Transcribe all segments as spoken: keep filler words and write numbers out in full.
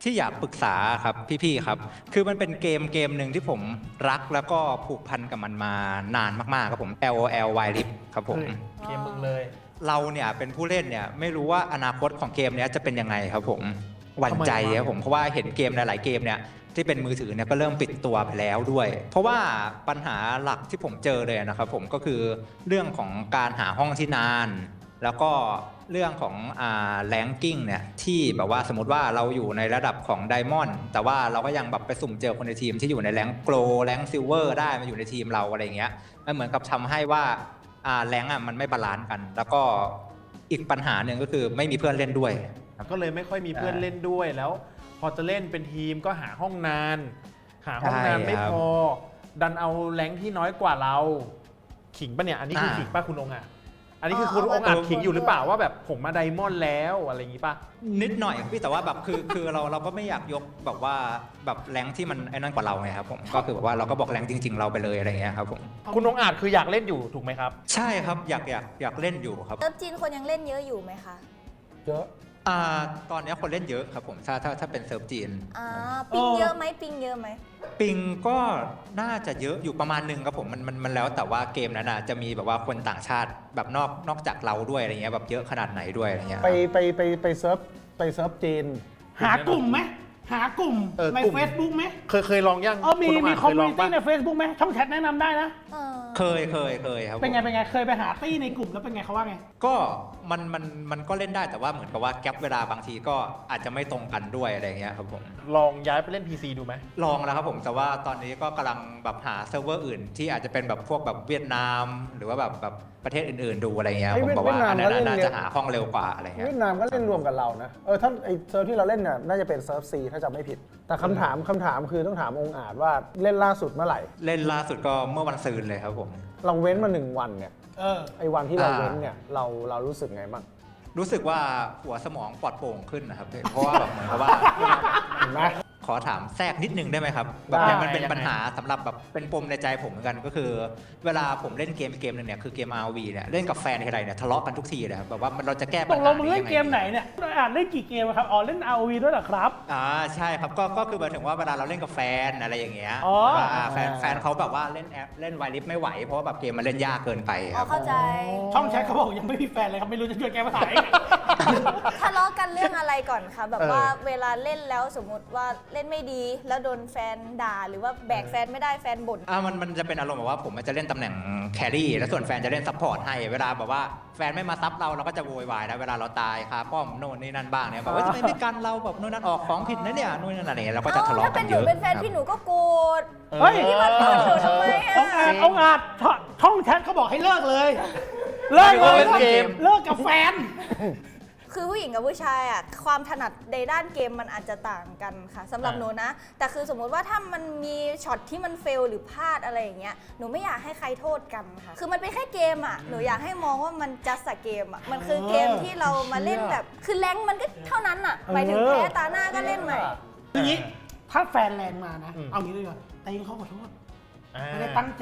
ที่อยากปรึกษาครับพี่ๆครับคือมันเป็นเกมเกมหนึ่งที่ผมรักแล้วก็ผูกพันกับมันมานานมากๆครับผม แอล โอ แอล Wild Rift ครับผมเกมมึงเลยเราเนี่ยเป็นผู้เล่นเนี่ยไม่รู้ว่าอนาคตของเกมนี้จะเป็นยังไงครับผมหวั่นใจครับผมเพราะว่าเห็นเกมหลายๆเกมเนี่ยที่เป็นมือถือเนี่ยก็เริ่มปิดตัวไปแล้วด้วย เพราะว่าปัญหาหลักที่ผมเจอเลยนะครับผมก็คือเรื่องของการหาห้องที่นานแล้วก็เรื่องของอ่าแรงกิ้งเนี่ยที่แบบว่าสมมติว่าเราอยู่ในระดับของไดมอนด์แต่ว่าเราก็ยังแบบไปสุ่มเจอคนในทีมที่อยู่ในแรงโกลแรงซิลเวอร์ได้มาอยู่ในทีมเราอะไรเงี้ยมันเหมือนกับทำให้ว่าอ่าแรงอ่ะมันไม่บาลานซ์กัน แล้วก็อีกปัญหาหนึ่งก็คือไม่มีเพื่อนเล่นด้วยก็เลยไม่ค่อยมีเพื่อนเล่นด้วยแล้วพอจะเล่นเป็นทีมก็หาห้องนานหาห้องนานไม่พอดันเอาแรงที่น้อยกว่าเราขิงปะเนี่ยอันนี้คือขิงปะคุณองค์อ่ะอันนี้คือคุณองค์อาจขิงอยู่หรือเปล่าว่าแบบผมมาไดมอนด์แล้วอะไรอย่างงี้ปะนิดหน่อยพี่แต่ว่าแบบคือคือเราเราก็ไม่อยากยกแบบว่าแบบแรงที่มันไอ้นั่นกว่าเราไงครับผมก็คือแบบว่าเราก็บอกแรงจริงๆเราไปเลยอะไรเงี้ยครับผมคุณองค์อาจคืออยากเล่นอยู่ถูกไหมครับใช่ครับอยากอยากอยากเล่นอยู่ครับเซิร์ฟจีนคนยังเล่นเยอะอยู่ไหมคะเยอะอ่าตอนนี้คนเล่นเยอะครับผมถ้าถ้าถ้าเป็นเซิร์ฟจีนอ่าปิงเยอะไหมปิงเยอะไหมปิงก็น่าจะเยอะอยู่ประมาณนึงครับผมมันมันมันแล้วแต่ว่าเกมนั้นจะมีแบบว่าคนต่างชาติแบบนอกนอกจากเราด้วยอะไรเงี้ยแบบเยอะขนาดไหนด้วยอะไรเงี้ยไปไปไปไปเซิร์ฟไปเซิร์ฟจีนหากลุ่มไหมหากลุ่มใน Facebook ไหมเคยเคยลองยังเออมีมีคอมมูนิตี้ใน Facebook ไหมช่องแชทแนะนำได้นะเคยเคยเคยครับเป็นไงเป็นไงเคยไปหาตี้ในกลุ่มแล้วเป็นไงเขาว่าไงก็มันมันมันก็เล่นได้แต่ว่าเหมือนกับว่าแก๊ปเวลาบางทีก็อาจจะไม่ตรงกันด้วยอะไรเงี้ยครับผมลองย้ายไปเล่น พี ซี ดูไหมลองแล้วครับผมแต่ว่าตอนนี้ก็กำลังแบบหาเซิร์ฟเวอร์อื่นที่อาจจะเป็นแบบพวกแบบเวียดนามหรือว่าแบบแบบประเทศอื่นๆดูอะไรเงี้ยผมบอกว่าอันนั้นน่าจะหาห้องเร็วกว่าอะไรเงี้ยเวียดนามก็เล่นรวมกับเรานะเออถ้าไอเซิร์ฟที่เราเล่นน่ะน่าจะเป็นเซิร์ฟซีถ้าจำไม่ผิดแต่คำถามคำถามคือต้องถามองค์อาจว่าเล่นล่าสุดเมื่อไหร่เล่นล่าสุดก็เมื่อวันซืนเลยครับผมเราเว้นมาหนึ่งวันเนี่ยเออไอวันที่เราเว้นเนี่ยเราเรารู้สึกไงบ้างรู้สึกว่าหัวสมองปลอดโปร่งขึ้นนะครับเพราะว่าแบบเหมือนกับว่าเห็นไหมขอถามแทรกนิดนึงได้ไหมครับแบบนี้มันเป็นปัญหาสำหรับแบบเป็นปมในใจผมเหมือนกันก็คือเวลาผมเล่นเกมเกมนึงเนี่ยคือเกม อาร์ โอ วี เนี่ยเล่นกับแฟนทีไรเนี่ยทะเลาะกันทุกทีเลยครับแบบว่าเราจะแก้ปัญหาตกลงมึงเล่นเกมไหนเนี่ยอ่านเล่นกี่เกมครับอ๋อเล่น อาร์ โอ วี ด้วยเหรอครับอ่าใช่ครับก็ก็คือหมายถึงว่าเวลาเราเล่นกับแฟนอะไรอย่างเงี้ยแฟนแฟนเขาแบบว่าเล่นแอปเล่นไวลิฟไม่ไหวเพราะว่าแบบเกมมันเล่นยากเกินไปครับเข้าใจช่องแชทเขาบอกยังไม่มีแฟนเลยครับไม่รู้จะช่วยแก้ปัญหายังไงทะเลาะกันเรื่องอะไรก่อนคะแบบว่าเวลาเล่นแล้วสมมติว่าเล่นไม่ดีแล้วโดนแฟนด่าหรือว่าแบกแฟนไม่ได้แฟนบ่นอ่ามันมันจะเป็นอารมณ์แบบว่าผมจะเล่นตำแหน่งแครี่แล้วส่วนแฟนจะเล่นซัพพอร์ตให้เวลาแบบว่าแฟนไม่มาซับเราเราก็จะโวยวายนะเวลาเราตายคาป้อมโน่นนี่นั่นบ้างเนี่ยแบบว่าทำไมไม่กันเราแบบโน่นนั่นออกของผิดนะเนี่ยโน่นนั่นอะไรเงี้ยเราก็จะทะเลาะกันเยอะถ้าเป็นหนูเป็นแฟนพี่หนูก็โกรธเฮ้ยพี่มาโกรธหนูทำไมอ่ะองอาจองอาจช่องแชทเขาบอกให้เลิกเลยเลิกเลยเลิกกับแฟนคือผู้หญิงกับผู้ชายอ่ะความถนัดในด้านเกมมันอาจจะต่างกันค่ะสำหรับหนูนะแต่คือสมมุติว่าถ้ามันมีช็อตที่มันเฟลหรือพลาดอะไรอย่างเงี้ยหนูไม่อยากให้ใครโทษกันค่ะคือมันเป็นแค่เกมอ่ะหนูอยากให้มองว่ามันจัสต์เกมอ่ะมันคือเกมที่เรามาเล่นแบบคือแรงมันก็เท่านั้นอ่ะหมายถึงแพ้ตาหน้าก็เล่นใหม่ทีนี้ถ้าแฟนแรงมานะเอางี้เลยก่อนแต่ยังเขาขอโทษไม่ได้ตั้งใจ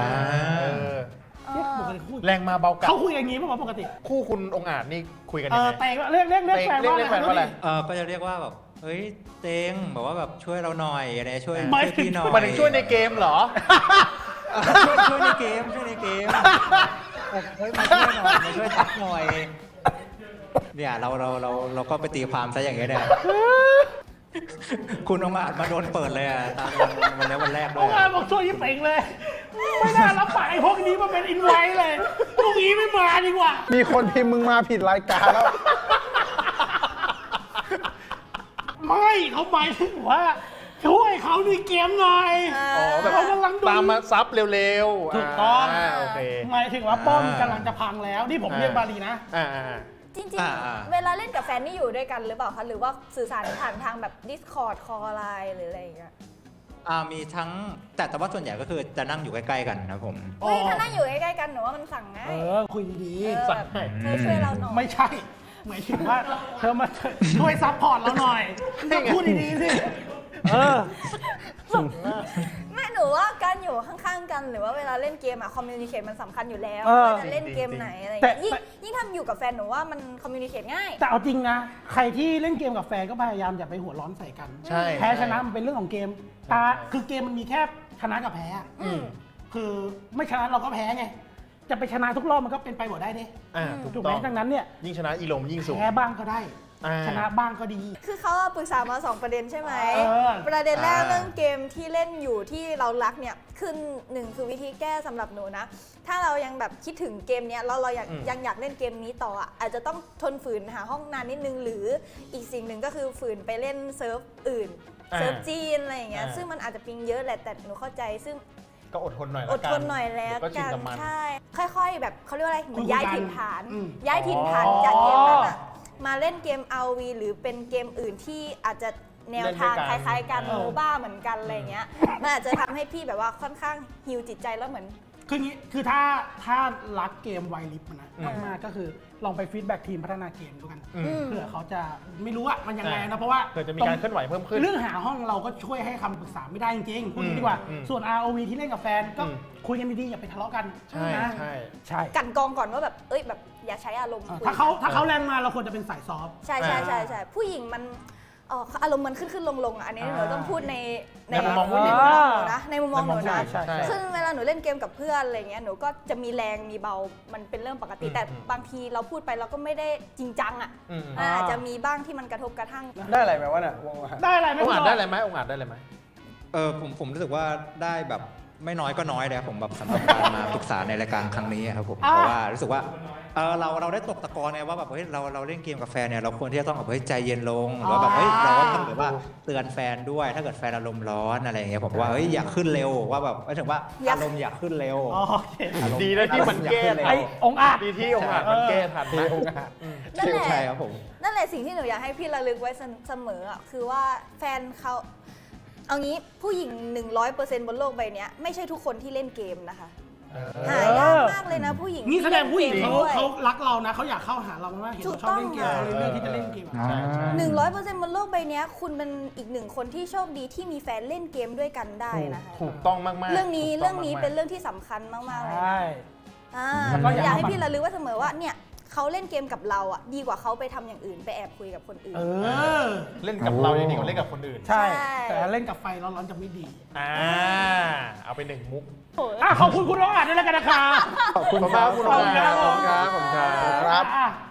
แรงมาเบากลับเขาคุยอย่างนี้ป่ะปกติคู่คุณองอาจนี่คุยกันยังไงเออเตงเรียกเรียกเรียกแฟนว่าอะไรเออก็จะเรียกว่าแบบเฮ้ยเตงบอกว่าแบบช่วยเราหน่อยอะไรช่วยพี่หน่อยมาถึงช่วยในเกมเหรอช่วยในเกมช่วยในเกมเฮ้ยมาช่วยหน่อยมาช่วยทักหน่อยเนี่ยเราเราเราเราก็ไปตีความซะอย่างเงี้ยเนี่ยคุณองอาจมาโดนเปิดเลยอ่ะตามวันนี้วันแรกด้วยองอาจบอกช่วยยิ่งเป่งเลยไม่น่ารับปากไอ้พวกนี้มาเป็นอินไวท์เลยพวกนี้ไม่มาดีกว่ามีคนพิมพ์มึงมาผิดรายการแล้วไม่เขาหมายถึงว่าช่วยเขาในเกมหน่อยอ๋อแบบตามมาซับเร็วๆถูกต้องโอเคหมายถึงว่าป้อมกำลังจะพังแล้วนี่ผมเรียกบาลีนะจริงๆเวลาเล่นกับแฟนนี่อยู่ด้วยกันหรือเปล่าคะหรือว่าสื่อสารผ่านทางแบบ Discord คอลไลน์หรืออะไรอย่างเงี้ยอ่ามีทั้งแต่แต่ว่าส่วนใหญ่ก็คือจะนั่งอยู่ใกล้ๆกันนะผมเฮ้ยถ้านั่งอยู่ใกล้ๆกันหนูว่ามันสั่งง่ายเออคุยดีๆสั่งเธอช่วยเราหน่อยไม่ใช่หมายถึงว่าเธอมาช่วยซัพพอร์ตเราหน่อยพูดดีๆสิเออไม่หนูว่าการอยู่อยู่ข้างๆกันหรือว่าเวลาเล่นเกมอะคอมมิวนิเคชมันสำคัญอยู่แล้วเออว่าจะเล่นเกมไหนอะไรอย่างแต่เงี้ยยิ่งยิ่งทำอยู่กับแฟนหนูว่ามันคอมมิวนิเคชง่ายแต่เอาจริงนะ ใครที่เล่นเกมกับแฟนก็พยายามอย่าไปหัวร้อนใส่กันใช่แพ้ชนะมันเป็นเรื่องของเกมตาคือเกมมันมีแค่ชนะกับแพ้อะอืมคือไม่ชนะเราก็แพ้ไง จะไปชนะทุกรอบมันก็เป็นไปหมดได้ดิอ่าถูถูกกไหมต้องดังนั้นเนี่ยยิ่งชนะอีลมยิ่งสูงแพ้บ้างก็ได้อ่าชนะบ้างก็ดีคือเขาปรึกษามาสองประเด็นใช่ไหมเออประเด็นแรกอ่าเรื่องเกมที่เล่นอยู่ที่เรารักเนี่ยคือหนึ่งคือวิธีแก้สำหรับหนูนะ ถ้าเรายังแบบคิดถึงเกมเนี้ยแล้วเราอยากอืมยังอยากเล่นเกมนี้ต่ออ่ะอาจจะต้องทนฝืนหาห้องนานนิดนึง หรืออีกสิ่งหนึ่งก็คือฝืนไปเล่นเซิร์ฟอื่นอ่าเซิร์ฟจีนอะไรอย่างเงี้ยอ่าซึ่งมันอาจจะปิงเยอะแหละแต่หนูเข้าใจซึ่งก็อดทนหน่อยอละดกันทนหน่อยแล้วเดี๋ยก็ชินกันกับมันใช่ ค่อยๆ แบบเขาเรียกว่าอะไรเหมือนคุยๆย้ายกันถิ่นฐานอืมย้ายถิ่นฐานอ๋อจากเกมนั้นอะมาเล่นเกม อาร์ วี หรือเป็นเกมอื่นที่อาจจะแนวทางเล่นด้วยกันคล้ายๆกันเออโมบ้าเหมือนกันอะไรเงี้ยมันอาจจะทำให้พี่แบบว่าค่อนข้างฮิวจิตใจแล้วเหมือนคืองี้คือถ้าถ้ารักเกมไวลิฟต์นะอืมมากๆก็คือลองไปฟีดแบ็กทีมพัฒนาเกมดูกันอืมเผื่อเขาจะไม่รู้อะมันยังไงใช่นะเพราะว่าเผื่อจะมีการเคลื่อนไหวเพิ่มขึ้นเรื่องหาห้องเราก็ช่วยให้คำปรึกษาไม่ได้จริงๆพูดอย่างนี้ดีกว่าอืมส่วน อาร์ โอ วี ที่เล่นกับแฟนก็อืมคุยกันดีๆอย่าไปทะเลาะกันใช่นะใช่ใช่กันกองก่อนว่าแบบเอ้ยแบบอย่าใช้อารมณ์เออคุยถ้าเขากันถ้าเขาแรงมาเราควรจะเป็นสายซอฟต์ใช่ใช่ใช่ใช่ผู้หญิงมันเอ่ออารมณ์มันขึ้นขึ้นลงลงๆอ่ะอันนี้หนูต้องพูดในในมุมมองผู้ในหญิงมุมมองหนูนะในมุมมองหนูในมุมมองนะใช่ใช่ซึ่งเวลาหนูเล่นเกมกับเพื่อนอะไรเงี้ยหนูก็จะมีแรงมีเบามันเป็นเรื่องปกติอืมแต่อืมบางทีเราพูดไปเราก็ไม่ได้จริงจังอ่ะอืมอืมอ่าอาจจะมีบ้างที่มันกระทบกระทั่งได้อะไรไหมวะเนี่ยวงอาหารได้อะไรไหมองค์อาจคุณได้บอะไรยไหมองค์อาจได้อะไรไหมเออผมผมรู้สึกว่าได้แบบไม่น้อยก็น้อยเลยครับผมแบบสำหรับการมาปรึกษาในรายการครั้งนี้ครับผมอ่าเพราะว่ารู้สึกว่าเออเราเราได้ตกตะกอนไงว่าแบบเฮ้ยเราเราเล่นเกมกับแฟนเนี่ยเราควรที่จะต้องแบบเฮ้ยใจเย็นลงหรือว่าแบบเฮ้ยเราก็ต้องแบบว่าเตือนแฟนด้วย ถ้าเกิดแฟนอารมณ์ร้อนอะไรอย่างเงี้ยผมว่าเฮ้ยอยากขึ้นเร็วว่าแบบหมายถึงว่าอยากอารมณ์อยากขึ้นเร็วอ๋อโอเคอารมณ์ดีนะที่มันแก้อารมณ์อยาไอ้ขึ้นเร็วองค์อาจดีที่องค์อาจมันแก้ทันที่นะองค์อาหารนั่นแหละใช่ครับผมนั่นแหละสิ่งที่หนูอยากให้พี่ระลึกไว้เสมออ่ะคือว่าแฟนเขาเอางี้ผู้หญิง หนึ่งร้อยเปอร์เซ็นต์ บนโลกใบเนี้ยไม่ใช่ทุกคนที่เล่นเกมนะคะหายากมากเลยนะผู้หญิงนี่แสดงผู้หญิงที่เขาล่นกมด้วยเขารักเรานะเขาอยากเข้าหาเรามากๆเห็นเราชอบเล่นเกมเขาเลยเลือกที่จะเล่นเกมอะอ่าใช่ใช่หนึ่งร้อยเปอร์เซ็นต์บนโลกใบเนี้ยคุณเป็นอีกหนึ่งคนที่โชคดีที่มีแฟนเล่นเกมด้วยกันได้นะคะถูกต้องมากๆเรื่องนี้ถูกต้เรื่องนี้มากๆเป็นเรื่องที่สำคัญมากๆเลยใช่อ่าแล้วก็อย่าอยากให้เอามาพี่ระลึกไว้เสมอว่าเนี่ยเขาเล่นเกมกับเราอ่ะดีกว่าเขาไปทำอย่างอื่นไปแอบคุยกับคนอื่นเออเล่นกับเรายังดีกว่าเล่นกับคนอื่นใช่ใช่แต่เล่นกับไฟร้อนๆจะไม่ดีอ่า เอาไปหนึ่งมุกอ่ะขอบคุณคุณองค์อาจด้วยแล้วกันนะครับขอบคุณขอบคุณมากคุณขอบคุณครับขอบคุณครับขอบคุณครับอ่ะ